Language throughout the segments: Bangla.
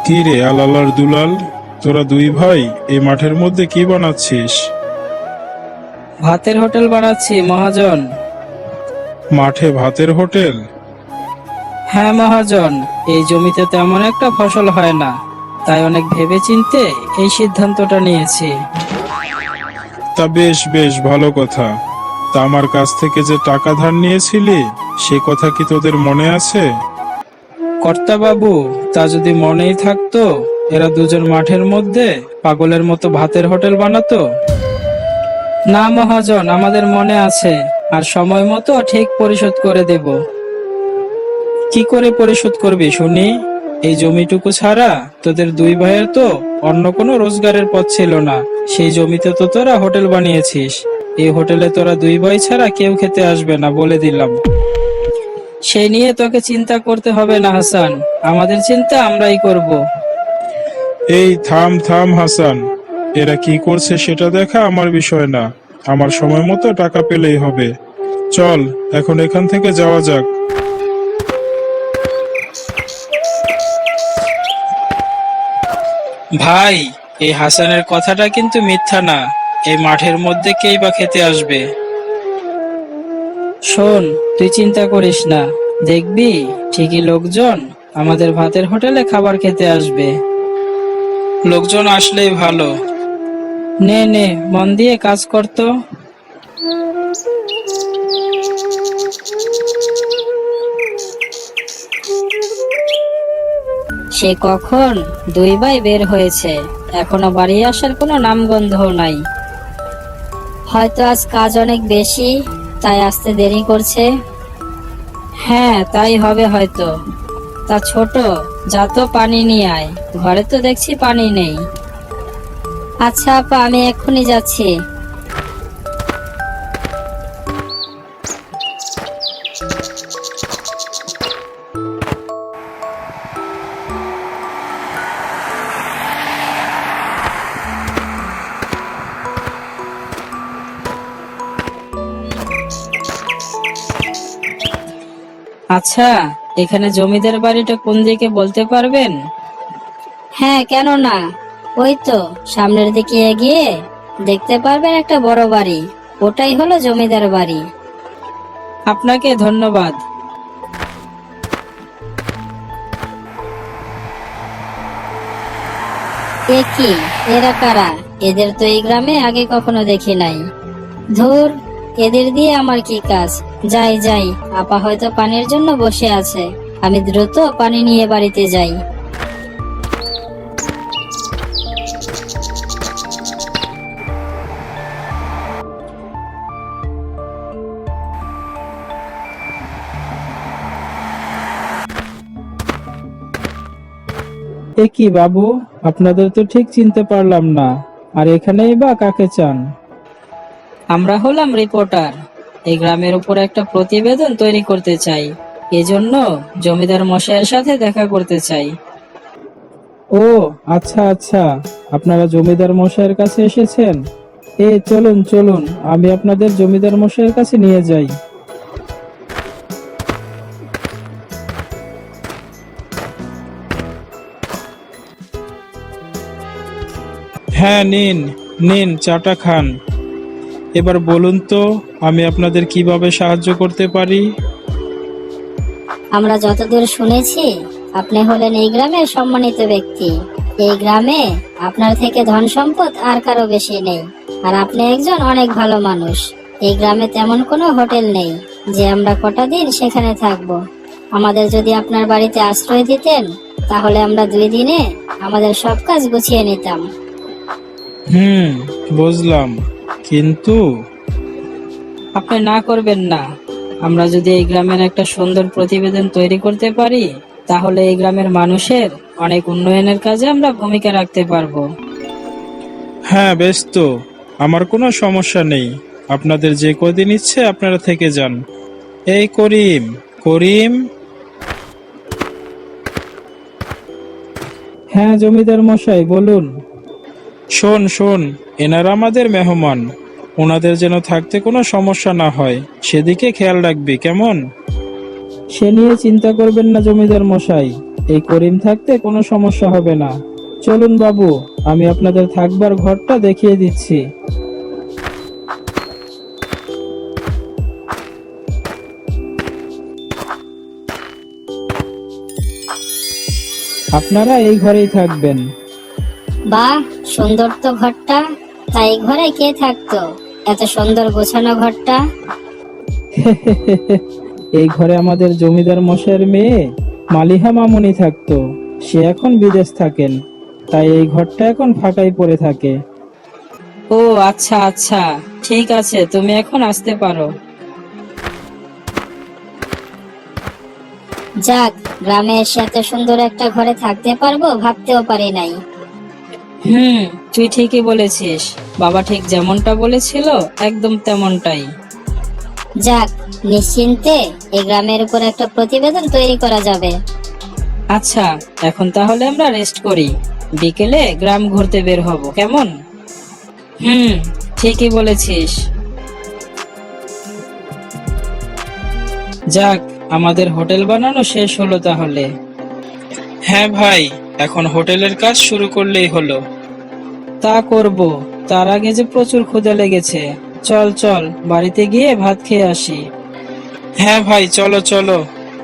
কি রে আলালার দুলাল, তোরা দুই ভাই এই মাঠের মধ্যে কি বানাচ্ছিস? ভাতের হোটেল বানাচ্ছি মহাজন। মাঠে ভাতের হোটেল? হ্যাঁ মহাজন, এই জমিতে তেমন একটা ফসল হয় না, তাই অনেক ভেবেচিন্তে এই সিদ্ধান্তটা নিয়েছি। তা বেশ বেশ ভালো কথা। তা আমার কাছ থেকে যে টাকা ধার নিয়েছিলি সে কথা কি তোদের মনে আছে? কর্তা বাবু, তা যদি মনেই থাকতো, এরা দুজন মাঠের মধ্যে পাগলের মতো ভাতের হোটেল বানাতো? না মহাজন, আমাদের মনে আছে, আর সময় মতো ঠিক পরিশোধ করে দেব। কি করে পরিশোধ করবি শুনি? এই জমিটুকু ছাড়া তোদের দুই ভাইয়ের তো অন্য কোনো রোজগারের পথ ছিল না। সেই জমিতে তো তোরা হোটেল বানিয়েছিস। এই হোটেলে তোরা দুই ভাই ছাড়া কেউ খেতে আসবে না, বলে দিলাম। সেই নিয়ে তোকে চিন্তা করতে হবে না হাসান, আমাদের চিন্তা আমরাই করব। এই থাম থাম হাসান, এরা কি করছে সেটা দেখা আমার বিষয় না। আমার সময় মতো টাকা পেলেই হবে। চল এখন এখান থেকে যাওয়া যাক। ভাই, এই হাসানের কথাটা কিন্তু মিথ্যা না। এই মাঠের মধ্যে কেই বা খেতে আসবে? শোন, তুই চিন্তা করিস না, দেখবি ঠিকই লোকজন আমাদের ভাতের হোটেলে খাবার খেতে আসবে। লোকজন আসলেই ভালো। নে নে, মন দিয়ে কাজ করতো। সে কখন দুই ভাই বের হয়েছে, এখনো বাড়ি আসার কোনো নামগন্ধ নাই। হয়তো আজ কাজ অনেক বেশি, তাই আসতে দেরি করছে। হ্যাঁ, তাই হবে হয়তো। তা ছোট, যা তো পানি নিয়ে আয়, ঘরে তো দেখছি পানি নেই। আচ্ছা আপা, আমি এক্ষুনি যাচ্ছি। আচ্ছা, এখানে জমিদার বাড়িটা কোন দিকে বলতে পারবেন? হ্যাঁ, কেন না, ওই তো সামনের দিকে এগিয়ে দেখতে পারবেন একটা বড় বাড়ি, ওটাই হলো জমিদার বাড়ি। আপনাকে ধন্যবাদ। এ কি, এরা কারা? এদের তো এই গ্রামে আগে কখনো দেখি নাই। ধুর, এদের দিয়ে আমার কি কাজ? যাই যাই, আপা হয়তো পানির জন্য বসে আছে। আমি দ্রুত পানি নিয়ে বাড়িতে যাই। এ কি বাবু, আপনাদের তো ঠিক চিনতে পারলাম না। আর এখানেই বা কাকে চান? আমরা হলাম রিপোর্টার। এই গ্রামের উপর একটা প্রতিবেদন তৈরি করতে চাই, এজন্য জমিদার মশাইয়ের সাথে দেখা করতে চাই। ও আচ্ছা আচ্ছা, আপনারা জমিদার মশাইয়ের কাছে এসেছেন। চলুন চলুন, আমি আপনাদের জমিদার মশাইয়ের কাছে নিয়ে যাই। হ্যাঁ, নিন নিন, চাটা খান। এবার বলুন তো, আমি আপনাদের কিভাবে সাহায্য করতে পারি? আমরা যতদূর শুনেছি, আপনি হলেন এই গ্রামের সম্মানিত ব্যক্তি। এই গ্রামে আপনার থেকে ধন সম্পদ আর কারো বেশি নেই, আর আপনি একজন অনেক ভালো মানুষ। এই গ্রামে তেমন কোনো হোটেল নেই যে আমরা কটা দিন সেখানে থাকবো। আমাদের যদি আপনার বাড়িতে আশ্রয় দিতেন, তাহলে আমরা 2 দিনে আমাদের সব কাজ গুছিয়ে নিতাম। বুঝলাম, কিন্তু আপনি না করবেন না। আমরা যদি এই গ্রামের একটা সুন্দর প্রতিবেদন তৈরি করতে পারি, তাহলে এই গ্রামের মানুষের অনেক উন্নয়নের কাজে আমরা ভূমিকা রাখতে পারবো। হ্যাঁ বেশ, তো আমার কোনো সমস্যা নেই। আপনাদের যে কদিন ইচ্ছে আপনারা থেকে যান। এই করিম, করিম। হ্যাঁ জমিদার মশাই, বলুন। শোন শোন, এনারা আমাদের মেহমান, ওনাদের যেন থাকতে কোনো সমস্যা না হয় সেদিকে খেয়াল রাখবি, কেমন? সে নিয়ে চিন্তা করবেন না জমিদার মশাই, এই করিম থাকতে কোনো সমস্যা হবে না। চলুন বাবু, আমি আপনাদের থাকবার ঘরটা দেখিয়ে দিচ্ছি। আপনারা এই ঘরেই থাকবেন। বাহ, সুন্দর তো ঘরটা। তাই ঘরে কে থাকতো? এত সুন্দর গোছানো ঘরটা। এই ঘরে আমাদের জমিদার মশাইয়ের মেয়ে মালিহা মামুনি থাকতো। সে এখন বিদেশ থাকেন, তাই এই ঘরটা এখন ফাঁকাই পড়ে থাকে। ও আচ্ছা আচ্ছা, ঠিক আছে, তুমি এখন আসতে পারো। যাক, গ্রামে এসে এত সুন্দর একটা ঘরে থাকতে পারবো ভাবতেও পারি নাই। তুই ঠিকই বলেছিস। বাবা ঠিক যেমনটা বলেছিল একদম তেমনটাই। যাক, নিশ্চিন্তে এই গ্রামের উপর একটা প্রতিবেদন তৈরি করা যাবে। আচ্ছা, এখন তাহলে আমরা রেস্ট করি, বিকেলে গ্রাম ঘুরতে বের হব, কেমন? ঠিকই বলেছিস। যাক, আমাদের হোটেল বানানো শেষ হলো তাহলে। হ্যাঁ ভাই, এখন হোটেলের কাজ শুরু করলেই হলো। তা করব, তার আগে যে প্রচুর ক্ষুধা লেগেছে। চল চল, বাড়িতে গিয়ে ভাত খেয়ে আসি। হ্যাঁ ভাই, চলো চলো।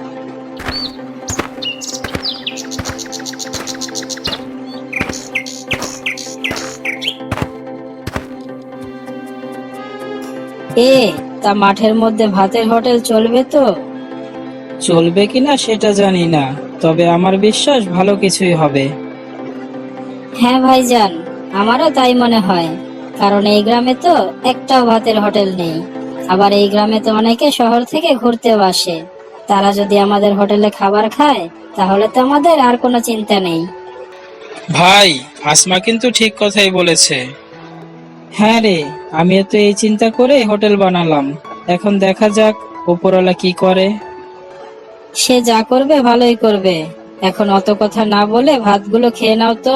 তা মাঠের মধ্যে ভাতের হোটেল চলবে তো? চলবে কিনা সেটা জানি না, তবে আমার বিশ্বাস ভালো কিছুই হবে। হ্যাঁ ভাইজান, আমারও তাই মনে হয়। কারণ এই গ্রামে তো একটাও ভাতের হোটেল নেই। আবার এই গ্রামে তো অনেকে শহর থেকে ঘুরতেও আসে। তারা যদি আমাদের হোটেলে খাবার খায়, তাহলে তো আমাদের আর কোনো চিন্তা নেই। ভাই, আসমা কিন্তু ঠিক কথাই বলেছে। হ্যাঁ রে, আমিও তো এই চিন্তা করে হোটেল বানালাম। এখন দেখা যাক উপরওয়ালা কি করে। সে যা করবে ভালোই করবে। এখন অত কথা না বলে ভাতগুলো খেয়ে নাও তো।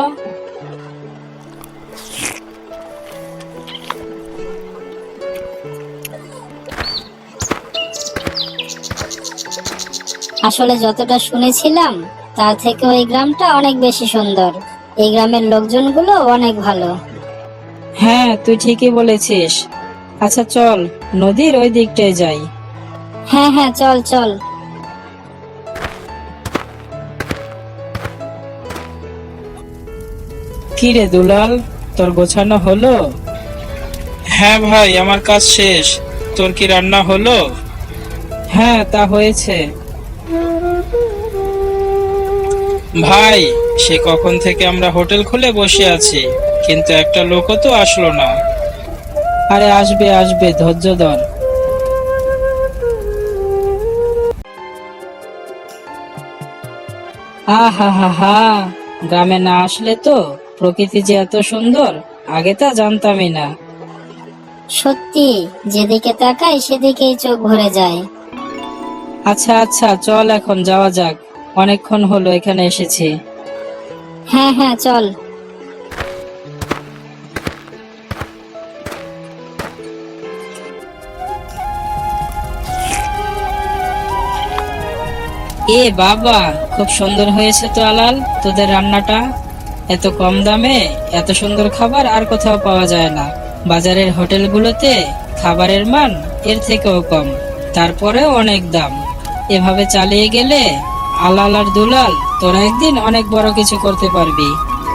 আসলে যতটা শুনেছিলাম তার থেকে ওই গ্রামটা অনেক বেশি সুন্দর। এই গ্রামের লোকজনগুলো অনেক ভালো। হ্যাঁ, তুই ঠিকই বলেছিস। আচ্ছা চল, নদীর ওই দিকটায় যাই। হ্যাঁ হ্যাঁ, চল চল। কি রে দুলাল, তোর গোছানো হলো? হ্যাঁ ভাই, আমার কাজ শেষ। তোর কি রান্না হলো? হ্যাঁ, তা হয়েছে। ভাই, সে কখন থেকে আমরা হোটেল খুলে বসে আছি, কিন্তু একটা লোকও তো আসলো না। আরে আসবে আসবে, ধৈর্য ধর। আহা হা হা, গ্রামে না আসলে তো প্রকৃতি যে এত সুন্দর আগে তা জানতামই না। সত্যি, যেদিকে তাকাই সেদিকেই চোখ ভরে যায়। আচ্ছা আচ্ছা, চল এখন যাওয়া যাক, অনেকক্ষণ হলো এখানে এসেছি। হ্যাঁ হ্যাঁ, চল। এ বাবা, খুব সুন্দর হয়েছে তো আলাল তোদের রান্নাটা। এত কম দামে এত সুন্দর খাবার আর কোথাও পাওয়া যায় না। বাজারের হোটেলগুলোতে খাবারের মান এর থেকেও কম, তারপরেও অনেক দাম। এভাবে চালিয়ে গেলে আলাল আর দুলাল তোরা একদিন অনেক বড় কিছু করতে পারবি।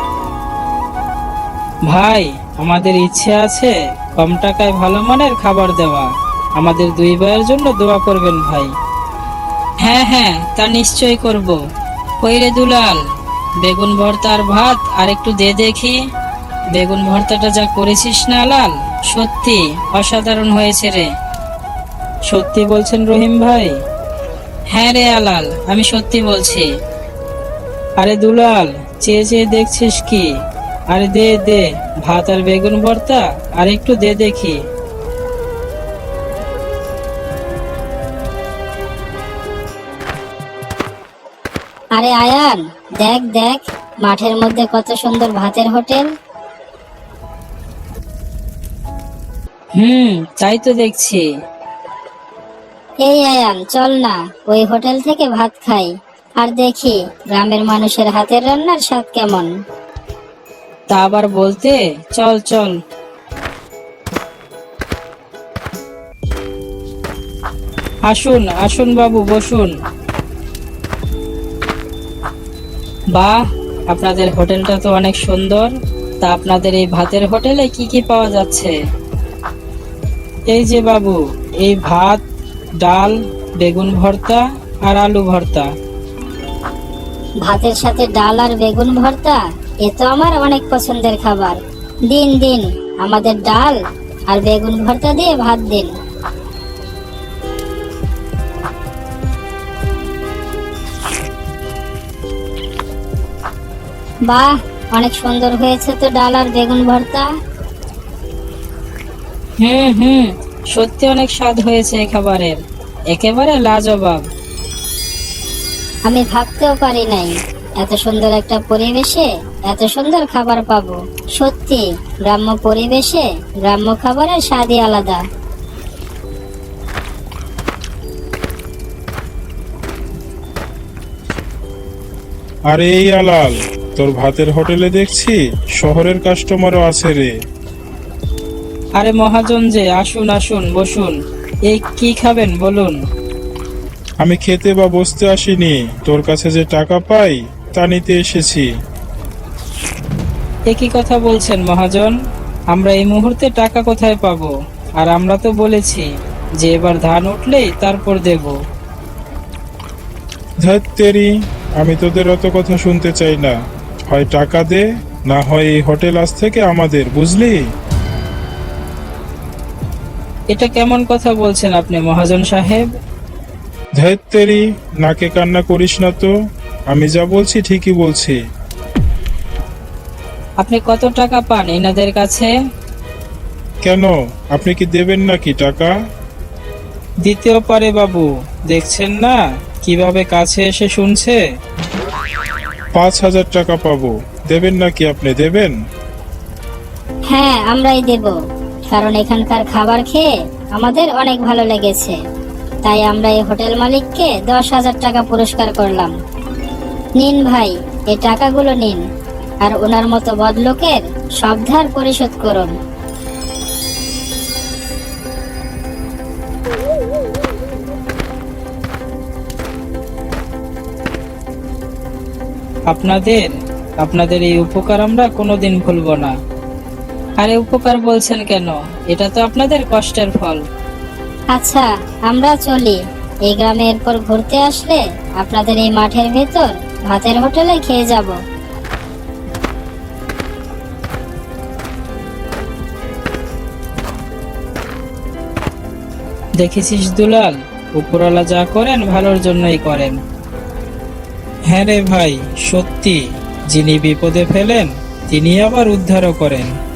ভাই, আমাদের ইচ্ছে আছে কম টাকায় ভালো মানের খাবার দেওয়া। আমাদের দুই ভাইয়ের জন্য দোয়া করবেন ভাই। হ্যাঁ হ্যাঁ, তা নিশ্চয় করব। কই রে দুলাল, বেগুন ভর্তা আর ভাত আর একটু দে দেখি। বেগুন ভর্তাটা যা করেছিস না লাল, সত্যি অসাধারণ হয়েছে রে। সত্যি বলছেন রহিম ভাই? হ্যাঁ রে আলাল, আমি সত্যি বলছি। আরে দুলাল, চেয়ে চেয়ে দেখছিস কি? আরে দে দে, ভাত আর বেগুন ভর্তা আর একটু দে দেখি। আরে আয়ান, দেখ দেখ, মাঠের মধ্যে কত সুন্দর ভাতের হোটেল। তাই তো দেখছি। এই আয়ান, চল না ওই হোটেল থেকে ভাত খাই। আর দেখি গ্রামের মানুষের হাতের রান্নার স্বাদ কেমন। তা আবার বলতে, চল চল। আসুন আসুন বাবু, বসুন। বাহ, আপনাদের হোটেলটা তো অনেক সুন্দর। তা আপনাদের এই ভাতের হোটেলে কি কি পাওয়া যাচ্ছে? এই যে বাবু, এই ভাত, ডাল, বেগুন ভর্তা আর আলু ভর্তা। ভাতের সাথে ডাল আর বেগুন ভর্তা, এ তো আমার অনেক পছন্দের খাবার। দিন দিন, আমাদের ডাল আর বেগুন ভর্তা দিয়ে ভাত দিন। বাহ, অনেক সুন্দর হয়েছে তো ডাল আর বেগুন ভর্তা। হুম, সত্যি অনেক স্বাদ হয়েছে এই খাবারের, একেবারে লাজবাব। আমি ভাবতেও পারি নাই এত সুন্দর একটা পরিবেশে এত সুন্দর খাবার পাবো। সত্যি গ্রাম্য পরিবেশে গ্রাম্য খাবারের স্বাদই আলাদা। আরে এই আলাল, তোর ভাতের হোটেলে দেখছি শহরের কাস্টমারও আছে রে। আরে মহাজন যে, আসুন আসুন, বসুন। এই কি খাবেন বলুন? আমি খেতে বা বসতে আসিনি, তোর কাছে যে টাকা পাই তা নিতে এসেছি। এ কি কথা বলছেন মহাজন? আমরা এই মুহূর্তে টাকা কোথায় পাবো? আর আমরা তো বলেছি যে এবার ধান উঠলেই তারপর দেব। ধ্যাৎ তেরি, আমি তোদের অত কথা শুনতে চাই না। হয় টাকা দে, না হয় এই হোটেল আজ থেকে আমাদের, বুঝলি? এটা কেমন কথা বলছেন আপনি মহাজন সাহেব? ধ্যাৎ তেরি, নাকে কান্না করিস না তো। আমি যা বলছি ঠিকই বলছি। আপনি কত টাকা পান এনাদের কাছে? কেন, আপনি কি দেবেন নাকি টাকা? দিতেও পারে বাবু, দেখছেন না কিভাবে কাছে এসে শুনছে। 5,000 টাকা পাবো, দেবেন নাকি আপনি, দেবেন? হ্যাঁ, আমরাই দেব, কারণ এখানকার খাবার খেয়ে আমাদের অনেক ভালো লেগেছে। তাই আমরা এই হোটেল মালিককে 10,000 টাকা পুরস্কার করলাম। নিন ভাই, এই টাকাগুলো নিন, আর ওনার মতো বদলোকের সব ধার পরিশোধ করুন। আপনাদের আপনাদের এই উপকার আমরা কোনোদিন ভুলবো না। আরে উপকার বলছেন কেন? এটা তো আপনাদের কষ্টের ফল। আচ্ছা, আমরা চলি। এই গ্রামে এরপর ঘুরতে আসলে আপনাদের এই মাঠের ভেতর ভাতের হোটেলে খেয়ে যাব। দেখেছিস দুলাল, উপরওয়ালা যা করেন ভালোর জন্যই করেন। হ্যাঁ রে ভাই, সত্যি, যিনি বিপদে ফেলেন তিনি আবার উদ্ধারও করেন।